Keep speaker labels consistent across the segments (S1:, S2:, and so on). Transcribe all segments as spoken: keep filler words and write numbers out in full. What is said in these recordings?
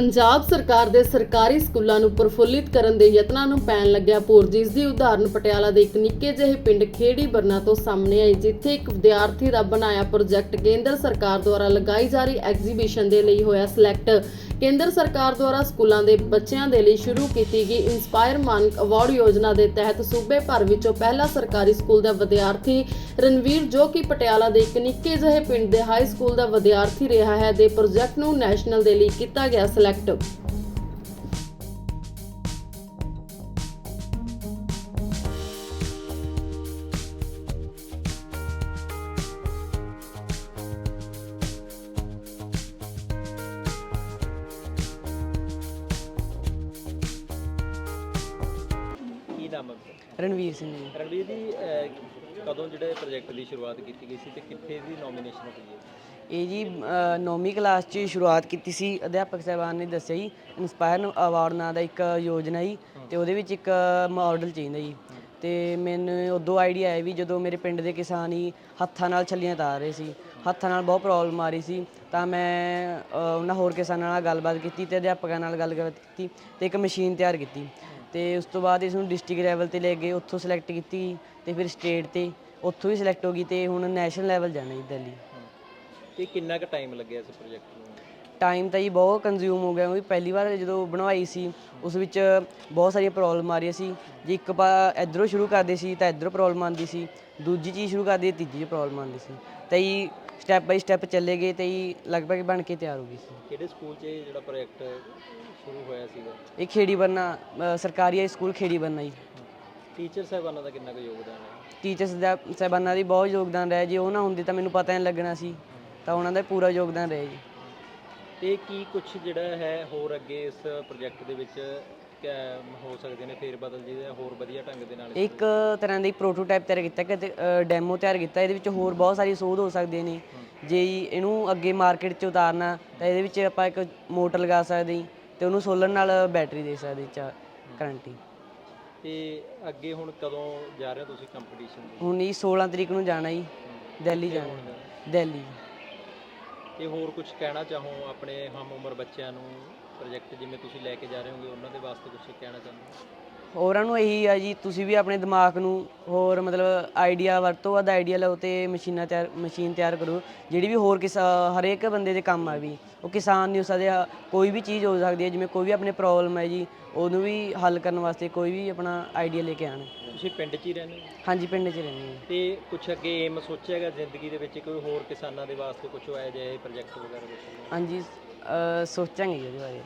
S1: ਪੰਜਾਬ ਸਰਕਾਰ ਦੇ ਸਰਕਾਰੀ ਸਕੂਲਾਂ ਨੂੰ ਪ੍ਰਫੁੱਲਿਤ ਕਰਨ ਦੇ ਯਤਨਾਂ ਨੂੰ ਪੈਣ ਲੱਗਿਆ ਪੂਰ, ਜਿਸ ਦੀ ਉਦਾਹਰਨ ਪਟਿਆਲਾ ਦੇ ਇੱਕ ਨਿੱਕੇ ਜਿਹੇ ਪਿੰਡ ਖੇੜੀ ਬਰਨਾ ਤੋਂ ਸਾਹਮਣੇ ਆਈ, ਜਿੱਥੇ ਇੱਕ ਵਿਦਿਆਰਥੀ ਦਾ ਬਣਾਇਆ ਪ੍ਰੋਜੈਕਟ ਕੇਂਦਰ ਸਰਕਾਰ ਦੁਆਰਾ ਲਗਾਈ ਜਾ ਰਹੀ ਐਗਜ਼ੀਬਿਸ਼ਨ ਦੇ ਲਈ ਹੋਇਆ ਸਿਲੈਕਟ। ਕੇਂਦਰ ਸਰਕਾਰ ਦੁਆਰਾ ਸਕੂਲਾਂ ਦੇ ਬੱਚਿਆਂ ਦੇ ਲਈ ਸ਼ੁਰੂ ਕੀਤੀ ਗਈ ਇੰਸਪਾਇਰ ਮਾਨਕ ਅਵਾਰਡ ਯੋਜਨਾ ਦੇ ਤਹਿਤ ਸੂਬੇ ਭਰ ਵਿੱਚੋਂ ਪਹਿਲਾ ਸਰਕਾਰੀ ਸਕੂਲ ਦਾ ਵਿਦਿਆਰਥੀ ਰਣਵੀਰ, ਜੋ ਕਿ ਪਟਿਆਲਾ ਦੇ ਇੱਕ ਨਿੱਕੇ ਜਿਹੇ ਪਿੰਡ ਦੇ ਹਾਈ ਸਕੂਲ ਦਾ ਵਿਦਿਆਰਥੀ ਰਿਹਾ ਹੈ, ਦੇ ਪ੍ਰੋਜੈਕਟ ਨੂੰ ਨੈਸ਼ਨਲ ਦੇ ਲਈ ਕੀਤਾ ਗਿਆ ਸਿਲੈਕਟ।
S2: ਕੀ ਨਾਮ ਹੈ?
S3: ਰਣਵੀਰ ਸਿੰਘ ਜੀ।
S2: ਰਣਵੀਰ ਜੀ, ਅਹ, ਕਦੋਂ ਜਿਹੜੇ ਪ੍ਰੋਜੈਕਟ ਦੀ ਸ਼ੁਰੂਆਤ ਕੀਤੀ ਗਈ ਸੀ ਤੇ ਕਿੱਥੇ ਦੀ ਨੋਮੀਨੇਸ਼ਨ ਹੋਈ ਹੈ?
S3: ਇਹ ਜੀ ਨੌਵੀਂ ਕਲਾਸ 'ਚ ਸ਼ੁਰੂਆਤ ਕੀਤੀ ਸੀ। ਅਧਿਆਪਕ ਸਾਹਿਬਾਨ ਨੇ ਦੱਸਿਆ ਜੀ ਇੰਸਪਾਇਰ ਅਵਾਰਡ ਨਾਂ ਦਾ ਇੱਕ ਯੋਜਨਾ ਜੀ, ਤੇ ਉਹਦੇ ਵਿੱਚ ਇੱਕ ਮਾਡਲ ਚਾਹੀਦਾ ਜੀ। ਤੇ ਮੈਨੂੰ ਉਦੋਂ ਆਈਡੀਆ ਆਇਆ ਵੀ ਜਦੋਂ ਮੇਰੇ ਪਿੰਡ ਦੇ ਕਿਸਾਨ ਹੀ ਹੱਥਾਂ ਨਾਲ ਛੱਲੀਆਂ ਤਾਰ ਰਹੇ ਸੀ, ਹੱਥਾਂ ਨਾਲ ਬਹੁਤ ਪ੍ਰੋਬਲਮ ਆ ਰਹੀ ਸੀ, ਤਾਂ ਮੈਂ ਉਹਨਾਂ ਹੋਰ ਕਿਸਾਨਾਂ ਨਾਲ ਗੱਲਬਾਤ ਕੀਤੀ ਤੇ ਅਧਿਆਪਕਾਂ ਨਾਲ ਗੱਲਬਾਤ ਕੀਤੀ ਤੇ ਇੱਕ ਮਸ਼ੀਨ ਤਿਆਰ ਕੀਤੀ। ਤੇ ਉਸ ਤੋਂ ਬਾਅਦ ਇਸ ਨੂੰ ਡਿਸਟ੍ਰਿਕਟ ਲੈਵਲ ਤੇ ਲੈ ਗਏ, ਉੱਥੋਂ ਸਿਲੈਕਟ ਕੀਤੀ ਤੇ ਫਿਰ ਸਟੇਟ ਤੇ ਉੱਥੋਂ ਵੀ ਸਿਲੈਕਟ ਹੋ ਗਈ ਤੇ ਹੁਣ ਨੈਸ਼ਨਲ ਲੈਵਲ ਜਾਣਾ ਜੀ ਦਿੱਲੀ।
S2: ਤੇ ਕਿੰਨਾ ਕੁ ਟਾਈਮ ਲੱਗਿਆ ਇਸ ਪ੍ਰੋਜੈਕਟ ਨੂੰ?
S3: ਟਾਈਮ ਤਾਂ ਜੀ ਬਹੁਤ ਕੰਜ਼ਿਊਮ ਹੋ ਗਿਆ, ਕਿਉਂਕਿ ਪਹਿਲੀ ਵਾਰ ਜਦੋਂ ਬਣਵਾਈ ਸੀ ਉਸ ਵਿੱਚ ਬਹੁਤ ਸਾਰੀਆਂ ਪ੍ਰੋਬਲਮ ਆ ਰਹੀਆਂ ਸੀ। ਜੇ ਇੱਕ ਪਾ ਇੱਧਰੋਂ ਸ਼ੁਰੂ ਕਰਦੇ ਸੀ ਤਾਂ ਇੱਧਰੋਂ ਪ੍ਰੋਬਲਮ ਆਉਂਦੀ ਸੀ, ਦੂਜੀ ਚੀਜ਼ ਸ਼ੁਰੂ ਕਰਦੇ ਤੀਜੀ 'ਚ ਪ੍ਰੋਬਲਮ ਆਉਂਦੀ ਸੀ, ਤਾਂ ਜੀ ਸਟੈਪ ਬਾਈ ਸਟੈਪ ਚੱਲੇ ਗਏ ਤੇ ਜੀ ਲਗਭਗ ਬਣ ਕੇ ਤਿਆਰ ਹੋ ਗਈ ਸੀ।
S2: ਕਿਹੜੇ ਸਕੂਲ 'ਚ ਇਹ ਜਿਹੜਾ ਪ੍ਰੋਜੈਕਟ ਸ਼ੁਰੂ ਹੋਇਆ ਸੀਗਾ?
S3: ਇਹ ਖੇੜੀ ਬਰਨਾ ਸਰਕਾਰੀ ਹਾਈ ਸਕੂਲ ਖੇੜੀ ਬਰਨਾ ਜੀ।
S2: ਟੀਚਰ ਸਾਹਿਬਾਨਾਂ ਦਾ ਕਿੰਨਾ ਕੁ ਯੋਗਦਾਨ ਹੈ?
S3: ਟੀਚਰਸ ਦਾ ਸਾਹਿਬਾਨਾਂ ਦੀ ਬਹੁਤ ਯੋਗਦਾਨ ਰਿਹਾ, ਜੇ ਉਹ ਨਾ ਹੁੰਦੇ ਤਾਂ ਮੈਨੂੰ ਪਤਾ ਨਹੀਂ ਲੱਗਣਾ ਸੀ, ਤਾਂ ਉਹਨਾਂ ਦਾ ਪੂਰਾ ਯੋਗਦਾਨ ਰਿਹਾ ਜੀ।
S2: ਤੇ ਕੀ ਕੁਝ ਜਿਹੜਾ ਹੈ ਹੋਰ ਅੱਗੇ ਇਸ ਪ੍ਰੋਜੈਕਟ ਦੇ ਵਿੱਚ ਹੋ ਸਕਦੇ ਨੇ ਫੇਰ ਬਦਲ ਜਿਹਦੇ ਹੋਰ ਵਧੀਆ ਢੰਗ ਦੇ ਨਾਲ?
S3: ਇੱਕ ਤਰ੍ਹਾਂ ਦੀ ਪ੍ਰੋਟੋਟਾਈਪ ਤਿਆਰ ਕੀਤਾ ਕਿ ਡੈਮੋ ਤਿਆਰ ਕੀਤਾ, ਇਹਦੇ ਵਿੱਚ ਹੋਰ ਬਹੁਤ ਸਾਰੀ ਸੋਧ ਹੋ ਸਕਦੀਆਂ ਨੇ। ਜੇ ਇਹਨੂੰ ਅੱਗੇ ਮਾਰਕੀਟ 'ਚ ਉਤਾਰਨਾ ਤਾਂ ਇਹਦੇ ਵਿੱਚ ਆਪਾਂ ਇੱਕ ਮੋਟਰ ਲਗਾ ਸਕਦੇ ਤੇ ਉਹਨੂੰ ਸੋਲਰ ਨਾਲ ਬੈਟਰੀ ਦੇ ਸਕਦੇ ਚਾ ਕਰੰਟ ਹੀ।
S2: ਤੇ ਅੱਗੇ ਹੁਣ ਕਦੋਂ ਜਾ ਰਹੇ ਹੋ ਤੁਸੀਂ ਕੰਪੀਟੀਸ਼ਨ?
S3: ਹੁਣ ਇਹ ਸੋਲਾਂ ਤਰੀਕ ਨੂੰ ਜਾਣਾ ਜੀ, ਦਿੱਲੀ ਜਾਣਾ, ਦਿੱਲੀ।
S2: ਤੇ ਹੋਰ ਕੁਝ ਕਹਿਣਾ ਚਾਹੋ ਆਪਣੇ ਹਮ ਉਮਰ ਬੱਚਿਆਂ ਨੂੰ, ਪ੍ਰੋਜੈਕਟ ਜਿਵੇਂ ਤੁਸੀਂ ਲੈ ਕੇ ਜਾ ਰਹੇ ਹੋਗੇ ਉਹਨਾਂ ਦੇ ਵਾਸਤੇ ਕੁਝ ਕਹਿਣਾ ਚਾਹੁੰਦੇ?
S3: ਹੋਰਾਂ ਨੂੰ ਇਹੀ ਆ ਜੀ, ਤੁਸੀਂ ਵੀ ਆਪਣੇ ਦਿਮਾਗ ਨੂੰ ਹੋਰ ਮਤਲਬ ਆਈਡੀਆ ਵਰਤੋ, ਵੱਧ ਆਈਡੀਆ ਲਓ ਤੇ ਮਸ਼ੀਨਾਂ ਤਿਆਰ ਮਸ਼ੀਨ ਤਿਆਰ ਕਰੋ ਜਿਹੜੀ ਵੀ ਹੋਰ ਕਿਸ ਹਰੇਕ ਬੰਦੇ ਦੇ ਕੰਮ ਆ ਵੀ। ਉਹ ਕਿਸਾਨ ਨਹੀਂ ਹੋ ਸਕਦੇ, ਕੋਈ ਵੀ ਚੀਜ਼ ਹੋ ਸਕਦੀ ਹੈ, ਜਿਵੇਂ ਕੋਈ ਵੀ ਆਪਣੇ ਪ੍ਰੋਬਲਮ ਹੈ ਜੀ ਉਹਨੂੰ ਵੀ ਹੱਲ ਕਰਨ ਵਾਸਤੇ ਕੋਈ ਵੀ ਆਪਣਾ ਆਈਡੀਆ ਲੈ ਕੇ ਆਉਣ।
S2: ਤੁਸੀਂ ਪਿੰਡ 'ਚ ਹੀ ਰਹਿੰਦੇ ਹੋ?
S3: ਹਾਂਜੀ, ਪਿੰਡ 'ਚ ਰਹਿੰਦੇ ਹਾਂ।
S2: ਤੇ ਕੁਛ ਅੱਗੇ ਏਮ ਸੋਚਿਆ ਹੈਗਾ ਜ਼ਿੰਦਗੀ ਦੇ ਵਿੱਚ ਕੋਈ ਹੋਰ ਕਿਸਾਨਾਂ ਦੇ ਵਾਸਤੇ ਕੁਝ ਹੋਇਆ ਜਾਏ ਪ੍ਰੋਜੈਕਟ ਵਗੈਰਾ ਕੁਛ?
S3: ਹਾਂਜੀ, ਸੋਚਾਂਗੇ ਜੀ ਉਹਦੇ ਬਾਰੇ।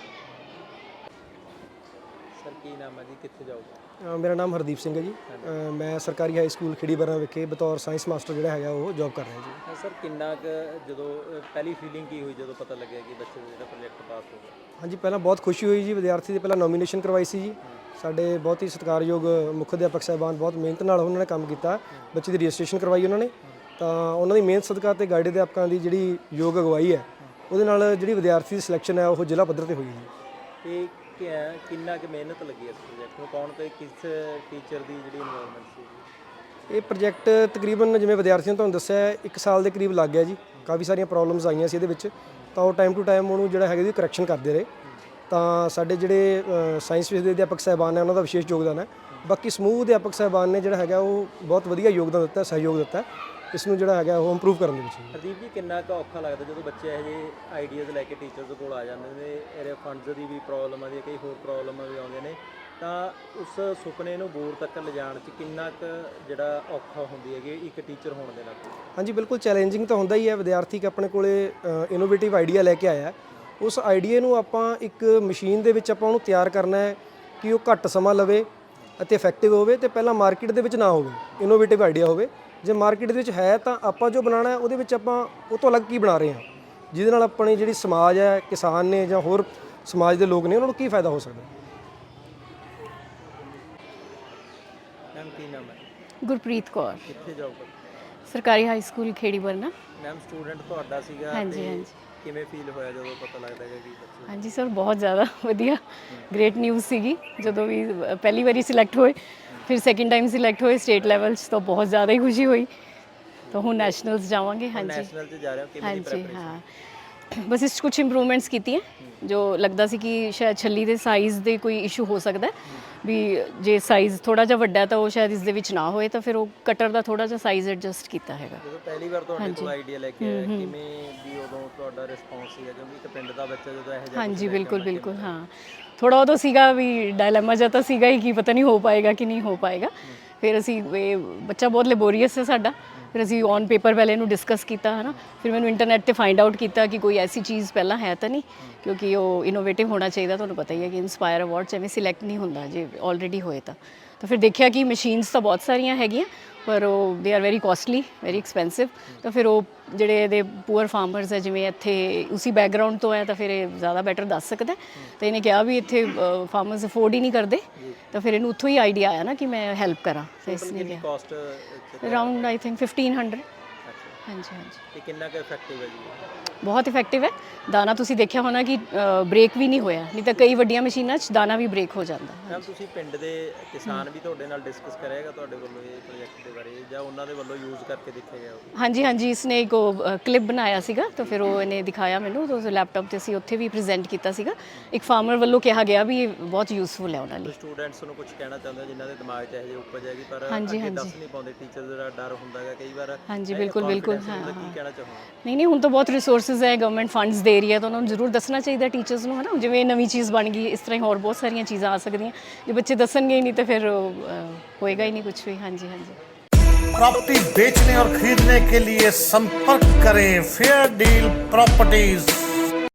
S2: ਸਰ ਕੀ ਨਾਮ ਹੈ ਜੀ, ਕਿੱਥੇ ਜਾਓਗੇ?
S4: ਮੇਰਾ ਨਾਮ ਹਰਦੀਪ ਸਿੰਘ ਹੈ ਜੀ। ਮੈਂ ਸਰਕਾਰੀ ਹਾਈ ਸਕੂਲ ਖੇੜੀ ਬਰਨਾ ਵਿਖੇ ਬਤੌਰ ਸਾਇੰਸ ਮਾਸਟਰ ਜਿਹੜਾ ਹੈਗਾ ਉਹ ਜੌਬ ਕਰ ਰਿਹਾ ਜੀ।
S2: ਸਰ ਕਿੰਨਾ ਕੁ ਜਦੋਂ ਪਹਿਲੀ ਫੀਲਿੰਗ ਕੀ ਹੋਈ ਜਦੋਂ ਪਤਾ ਲੱਗਿਆ ਕਿ ਬੱਚੇ ਦਾ ਜਿਹੜਾ ਪ੍ਰੋਜੈਕਟ ਪਾਸ ਹੋ ਗਿਆ?
S4: ਹਾਂਜੀ, ਪਹਿਲਾਂ ਬਹੁਤ ਖੁਸ਼ੀ ਹੋਈ ਜੀ। ਵਿਦਿਆਰਥੀ ਦੀ ਪਹਿਲਾਂ ਨੋਮੀਨੇਸ਼ਨ ਕਰਵਾਈ ਸੀ ਜੀ। ਸਾਡੇ ਬਹੁਤ ਹੀ ਸਤਿਕਾਰਯੋਗ ਮੁੱਖ ਅਧਿਆਪਕ ਸਾਹਿਬਾਨ ਬਹੁਤ ਮਿਹਨਤ ਨਾਲ ਉਹਨਾਂ ਨੇ ਕੰਮ ਕੀਤਾ, ਬੱਚੇ ਦੀ ਰਜਿਸਟ੍ਰੇਸ਼ਨ ਕਰਵਾਈ ਉਹਨਾਂ ਨੇ। ਤਾਂ ਉਹਨਾਂ ਦੀ ਮਿਹਨਤ ਸਦਕਾ ਤੇ ਗਾਈਡ ਅਧਿਆਪਕਾਂ ਦੀ ਜਿਹੜੀ ਯੋਗ ਅਗਵਾਈ ਹੈ ਉਹਦੇ ਨਾਲ ਜਿਹੜੀ ਵਿਦਿਆਰਥੀ ਦੀ ਸਿਲੈਕਸ਼ਨ ਹੈ ਉਹ ਜ਼ਿਲ੍ਹਾ ਪੱਧਰ 'ਤੇ ਹੋਈ ਜੀ।
S2: ਤੇ ਕਿੰਨਾ ਕੁ ਮਿਹਨਤ ਲੱਗੀ ਇਸ ਪ੍ਰੋਜੈਕਟ ਨੂੰ, ਕੌਣ ਤੇ ਕਿਸ ਟੀਚਰ ਦੀ ਜਿਹੜੀ ਇਨਵੋਲਵਮੈਂਟ ਸੀ?
S4: ਇਹ ਪ੍ਰੋਜੈਕਟ ਤਕਰੀਬਨ ਜਿਵੇਂ ਵਿਦਿਆਰਥੀਆਂ ਨੂੰ ਤੁਹਾਨੂੰ ਦੱਸਿਆ ਇੱਕ ਸਾਲ ਦੇ ਕਰੀਬ ਲੱਗ ਗਿਆ ਜੀ। ਕਾਫੀ ਸਾਰੀਆਂ ਪ੍ਰੋਬਲਮਸ ਆਈਆਂ ਸੀ ਇਹਦੇ ਵਿੱਚ, ਤਾਂ ਉਹ ਟਾਈਮ ਟੂ ਟਾਈਮ ਉਹਨੂੰ ਜਿਹੜਾ ਹੈਗਾ ਜੀ ਕਰੈਕਸ਼ਨ ਕਰਦੇ ਰਹੇ। ਤਾਂ ਸਾਡੇ ਜਿਹੜੇ ਸਾਇੰਸ ਵਿਸ਼ੇ ਦੇ ਅਧਿਆਪਕ ਸਾਹਿਬਾਨ ਨੇ ਉਹਨਾਂ ਦਾ ਵਿਸ਼ੇਸ਼ ਯੋਗਦਾਨ ਹੈ। ਬਾਕੀ ਸਮੂਹ ਅਧਿਆਪਕ ਸਾਹਿਬਾਨ ਨੇ ਜਿਹੜਾ ਹੈਗਾ ਉਹ ਬਹੁਤ ਵਧੀਆ ਯੋਗਦਾਨ ਦਿੱਤਾ, ਸਹਿਯੋਗ ਦਿੱਤਾ ਇਸ ਨੂੰ ਜਿਹੜਾ ਹੈਗਾ ਉਹ ਇੰਪਰੂਵ ਕਰਨ ਦੇ ਵਿੱਚ।
S2: ਹਰਦੀਪ ਜੀ, ਕਿੰਨਾ ਕੁ ਔਖਾ ਲੱਗਦਾ ਜਦੋਂ ਬੱਚੇ ਇਹੋ ਜਿਹੇ ਆਈਡੀਆਜ਼ ਲੈ ਕੇ ਟੀਚਰਸ ਕੋਲ ਆ ਜਾਂਦੇ ਨੇ? ਇਹਦੇ ਫੰਡਸ ਦੀ ਵੀ ਪ੍ਰੋਬਲਮ ਆਉਂਦੀ ਹੈ, ਕਈ ਹੋਰ ਪ੍ਰੋਬਲਮਾਂ ਵੀ ਆਉਂਦੀਆਂ ਨੇ, ਤਾਂ ਉਸ ਸੁਪਨੇ ਨੂੰ ਬੋਰ ਤੱਕ ਲਿਜਾਣ 'ਚ ਕਿੰਨਾ ਕੁ ਜਿਹੜਾ ਔਖਾ ਹੁੰਦੀ ਹੈਗੀ ਇੱਕ ਟੀਚਰ ਹੋਣ ਦੇ ਨਾਤੇ?
S4: ਹਾਂਜੀ, ਬਿਲਕੁਲ ਚੈਲੰਜਿੰਗ ਤਾਂ ਹੁੰਦਾ ਹੀ ਹੈ। ਵਿਦਿਆਰਥੀ ਆਪਣੇ ਕੋਲੇ ਇਨੋਵੇਟਿਵ ਆਈਡੀਆ ਲੈ ਕੇ ਆਇਆ, ਉਸ ਆਈਡੀਆ ਨੂੰ ਆਪਾਂ ਇੱਕ ਮਸ਼ੀਨ ਦੇ ਵਿੱਚ ਆਪਾਂ ਉਹਨੂੰ ਤਿਆਰ ਕਰਨਾ ਹੈ ਕਿ ਉਹ ਘੱਟ ਸਮਾਂ ਲਵੇ ਅਤੇ ਇਫੈਕਟਿਵ ਹੋਵੇ ਤੇ ਪਹਿਲਾਂ ਮਾਰਕੀਟ ਦੇ ਵਿੱਚ ਨਾ ਹੋਵੇ, ਇਨੋਵੇਟਿਵ ਆਈਡੀਆ ਹੋਵੇ। ਜੇ ਮਾਰਕੀਟ ਦੇ ਵਿੱਚ ਹੈ ਤਾਂ ਆਪਾਂ ਜੋ ਬਣਾਉਣਾ ਹੈ ਉਹਦੇ ਵਿੱਚ ਆਪਾਂ ਉਹ ਤੋਂ ਅਲੱਗ ਕੀ ਬਣਾ ਰਹੇ ਹਾਂ, ਜਿਹਦੇ ਨਾਲ ਆਪਣੀ ਜਿਹੜੀ ਸਮਾਜ ਹੈ, ਕਿਸਾਨ ਨੇ ਜਾਂ ਹੋਰ ਸਮਾਜ ਦੇ ਲੋਕ ਨੇ ਉਹਨਾਂ ਨੂੰ ਕੀ ਫਾਇਦਾ ਹੋ ਸਕਦਾ।
S2: ਮੈਮ ਕੀ ਨਾਮ ਹੈ?
S5: ਗੁਰਪ੍ਰੀਤ ਕੌਰ,
S2: ਕਿੱਥੇ ਜੌਬ ਕਰਦੇ?
S5: ਸਰਕਾਰੀ high school Kheri Barna.
S2: Ma'am student ਤੁਹਾਡਾ ਸੀਗਾ,
S5: ਹਾਂਜੀ ਹਾਂਜੀ
S2: ਕਿਵੇਂ ਫੀਲ ਹੋਇਆ ਜਦੋਂ ਪਤਾ ਲੱਗਦਾ ਹੈ ਕਿ ਬੱਚੇ?
S5: ਹਾਂਜੀ ਸਰ, ਬਹੁਤ ਜ਼ਿਆਦਾ ਵਧੀਆ, ਗ੍ਰੇਟ ਨਿਊਜ਼ ਸੀਗੀ ਜਦੋਂ ਵੀ ਪਹਿਲੀ ਵਾਰੀ ਸਿਲੈਕਟ ਹੋਏ, ਫਿਰ ਸੈਕਿੰਡ ਟਾਈਮ ਸਿਲੈਕਟ ਹੋਏ ਸਟੇਟ ਲੈਵਲ 'ਚ, ਤਾਂ ਬਹੁਤ ਜ਼ਿਆਦਾ ਹੀ ਖੁਸ਼ੀ ਹੋਈ। ਤਾਂ ਹੁਣ ਨੈਸ਼ਨਲਸ ਜਾਵਾਂਗੇ। ਹਾਂਜੀ
S2: ਨੈਸ਼ਨਲ 'ਚ ਜਾ ਰਹੇ ਹੋ, ਕਿਵੇਂ ਦੀ
S5: ਹਾਂਜੀ
S2: ਪ੍ਰੈਪਰੇਸ਼ਨ?
S5: ਹਾਂ, ਬਸ ਇਸ 'ਚ ਕੁਝ ਇੰਪਰੂਵਮੈਂਟਸ ਕੀਤੀਆਂ ਜੋ ਲੱਗਦਾ ਸੀ ਕਿ ਸ਼ਾਇਦ ਛੱਲੀ ਦੇ ਸਾਈਜ਼ ਦੇ ਕੋਈ ਇਸ਼ੂ ਹੋ ਸਕਦਾ ਹੈ, ਵੀ ਜੇ ਸਾਈਜ਼ ਥੋੜਾ ਜਿਹਾ ਵੱਡਾ ਤਾਂ ਉਹ ਸ਼ਾਇਦ ਇਸ ਦੇ ਵਿੱਚ ਨਾ ਹੋਏ, ਤਾਂ ਫਿਰ ਉਹ ਕਟਰ ਦਾ ਥੋੜਾ ਜਿਹਾ ਸਾਈਜ਼ ਐਡਜਸਟ ਕੀਤਾ ਹੈਗਾ।
S2: ਜਦੋਂ ਪਹਿਲੀ ਵਾਰ ਤੁਹਾਡੇ ਕੋਲ ਆਈਡੀਆ ਲੈ ਕੇ ਆਇਆ ਕਿਵੇਂ ਵੀ ਉਦੋਂ ਤੁਹਾਡਾ ਰਿਸਪੌਂਸ ਸੀਗਾ, ਕਿਉਂਕਿ ਇੱਕ ਪਿੰਡ ਦਾ ਬੱਚਾ ਜਦੋਂ ਇਹੋ ਜਿਹਾ
S5: ਹਾਂਜੀ ਬਿਲਕੁਲ ਬਿਲਕੁਲ ਹਾਂ, ਥੋੜਾ ਉਦੋਂ ਸੀਗਾ ਵੀ ਡਾਇਲੇਮਾ ਜਿਹਾ ਤਾਂ ਸੀਗਾ ਹੀ ਕਿ ਪਤਾ ਨਹੀਂ ਹੋ ਪਾਏਗਾ ਕਿ ਨਹੀਂ ਹੋ ਪਾਏਗਾ। ਫਿਰ ਅਸੀਂ ਇਹ ਬੱਚਾ ਬਹੁਤ ਲੈਬੋਰੀਅਸ ਹੈ ਸਾਡਾ, ਫਿਰ ਅਸੀਂ ਔਨ ਪੇਪਰ ਪਹਿਲੇ ਇਹਨੂੰ ਡਿਸਕਸ ਕੀਤਾ ਹੈ ਨਾ, ਫਿਰ ਮੈਨੂੰ ਇੰਟਰਨੈਟ ਤੇ ਫਾਈਂਡ ਆਊਟ ਕੀਤਾ ਕਿ ਕੋਈ ਐਸੀ ਚੀਜ਼ ਪਹਿਲਾਂ ਹੈ ਤਾਂ ਨਹੀਂ, ਕਿਉਂਕਿ ਉਹ ਇਨੋਵੇਟਿਵ ਹੋਣਾ ਚਾਹੀਦਾ। ਤੁਹਾਨੂੰ ਪਤਾ ਹੀ ਹੈ ਕਿ ਇਨਸਪਾਇਰ ਅਵਾਰਡ 'ਚ ਐਵੇਂ ਸਿਲੈਕਟ ਨਹੀਂ ਹੁੰਦਾ ਜੇ ਆਲਰੇਡੀ ਹੋਏ ਤਾਂ। ਤਾਂ ਫਿਰ ਦੇਖਿਆ ਕਿ ਮਸ਼ੀਨਸ ਤਾਂ ਬਹੁਤ ਸਾਰੀਆਂ ਹੈਗੀਆਂ ਪਰ ਉਹ they are very costly, very expensive. ਤਾਂ ਫਿਰ ਉਹ ਜਿਹੜੇ ਇਹਦੇ ਪੂਅਰ ਫਾਰਮਰਸ ਹੈ, ਜਿਵੇਂ ਇੱਥੇ ਉਸੀ ਬੈਕਗਰਾਊਂਡ ਤੋਂ ਹੈ, ਤਾਂ ਫਿਰ ਇਹ ਜ਼ਿਆਦਾ ਬੈਟਰ ਦੱਸ ਸਕਦਾ। ਤਾਂ ਇਹਨੇ ਕਿਹਾ ਵੀ ਇੱਥੇ ਫਾਰਮਰਸ ਅਫੋਰਡ ਹੀ ਨਹੀਂ ਕਰਦੇ, ਤਾਂ ਫਿਰ ਇਹਨੂੰ ਉੱਥੋਂ ਹੀ ਆਈਡੀਆ ਆਇਆ ਨਾ ਕਿ ਮੈਂ ਹੈਲਪ ਕਰਾਂ। ਤਾਂ ਇਸ ਨੇ ਕਿਹਾ
S2: cost
S5: around I think fifteen hundred. ਹਾਂਜੀ ਹਾਂਜੀ,
S2: ਤੇ ਕਿੰਨਾ ਕੁ ਇਫੈਕਟਿਵ ਹੈ ਜੀ?
S5: ਬਹੁਤ ਇਫੈਕਟਿਵ ਹੈ। ਦਾਣਾ ਤੁਸੀਂ ਦੇਖਿਆ ਹੋਣਾ ਕਿ ਬ੍ਰੇਕ ਵੀ ਨਹੀਂ ਹੋਇਆ, ਨਹੀਂ ਤਾਂ ਕਈ ਵੱਡੀਆਂ ਮਸ਼ੀਨਾਂ 'ਚ ਦਾਣਾ ਵੀ ਬ੍ਰੇਕ ਹੋ ਜਾਂਦਾ।
S2: ਮੈਮ ਤੁਸੀਂ ਪਿੰਡ ਦੇ ਕਿਸਾਨ ਵੀ ਤੁਹਾਡੇ ਨਾਲ ਡਿਸਕਸ ਕਰਿਆਗਾ ਤੁਹਾਡੇ ਵੱਲੋਂ ਇਹ ਪ੍ਰੋਜੈਕਟ ਦੇ ਬਾਰੇ, ਜਾਂ ਉਹਨਾਂ ਦੇ ਵੱਲੋਂ ਯੂਜ਼ ਕਰਕੇ ਦੇਖਿਆ ਗਿਆ?
S5: ਹਾਂਜੀ ਹਾਂਜੀ, ਇਸਨੇ ਇੱਕ ਕਲਿੱਪ ਬਣਾਇਆ ਸੀਗਾ, ਤਾਂ ਫਿਰ ਉਹ ਇਹਨੇ ਦਿਖਾਇਆ ਮੈਨੂੰ, ਤਾਂ ਉਸ ਲੈਪਟਾਪ ਤੇ ਅਸੀਂ ਉੱਥੇ ਵੀ ਪ੍ਰੈਜ਼ੈਂਟ ਕੀਤਾ ਸੀਗਾ। ਇੱਕ ਫਾਰਮਰ ਵੱਲੋਂ ਕਿਹਾ ਗਿਆ ਵੀ ਇਹ ਬਹੁਤ ਯੂਜ਼ਫੁਲ ਹੈ ਉਹਨਾਂ ਲਈ।
S2: ਸਟੂਡੈਂਟਸ ਨੂੰ ਕੁਝ ਕਹਿਣਾ ਚਾਹੁੰਦੇ ਹੋ ਜਿਨ੍ਹਾਂ ਦੇ ਦਿਮਾਗ 'ਚ ਇਹੋ ਜਿਹੀ ਉਪਜ ਹੈਗੀ ਪਰ
S5: ਹਾਂਜੀ,
S2: ਅੱਗੇ
S5: ਹਾਂਜੀ।
S2: ਦੱਸ ਨਹੀਂ ਪਾਉਂਦੇ, ਟੀਚਰ ਦਾ ਡਰ ਹੁੰਦਾ ਹੈਗਾ ਕਈ ਵਾਰ?
S5: ਹਾਂਜੀ ਬਿਲਕੁਲ ਬਿਲਕੁਲ, ਹਾਂ
S2: ਕੀ
S5: ਹਾਂ।
S2: ਕਹਿਣਾ ਚਾਹੋਗੇ?
S5: ਨਹੀਂ ਨਹੀਂ, ਹੁਣ ਤਾਂ ਬਹੁਤ ਰਿਸੋਰਸਿਸ ਹੈ, ਗਵਰਨਮੈਂਟ ਫੰਡਸ ਦੇ ਰਹੀ ਹੈ, ਤਾਂ ਉਹਨਾਂ ਨੂੰ ਜ਼ਰੂਰ ਦੱਸਣਾ ਚਾਹੀਦਾ ਟੀਚਰਸ ਨੂੰ, ਹੈ ਨਾ। ਜਿਵੇਂ ਨਵੀਂ ਚੀਜ਼ ਬਣ ਗਈ, ਇਸ ਤਰ੍ਹਾਂ ਹੀ ਹੋਰ ਬਹੁਤ ਸਾਰੀਆਂ ਚੀਜ਼ਾਂ ਆ ਸਕਦੀਆਂ। ਜੇ ਬੱਚੇ ਦੱਸਣਗੇ ਹੀ ਨਹੀਂ ਤਾਂ ਫਿਰ ਹੋਏਗਾ ही नहीं कुछ भी। हाँ जी हाँ जी।
S6: प्रॉपर्टी बेचने और खरीदने के लिए संपर्क करें फेयर डील प्रॉपर्टीज।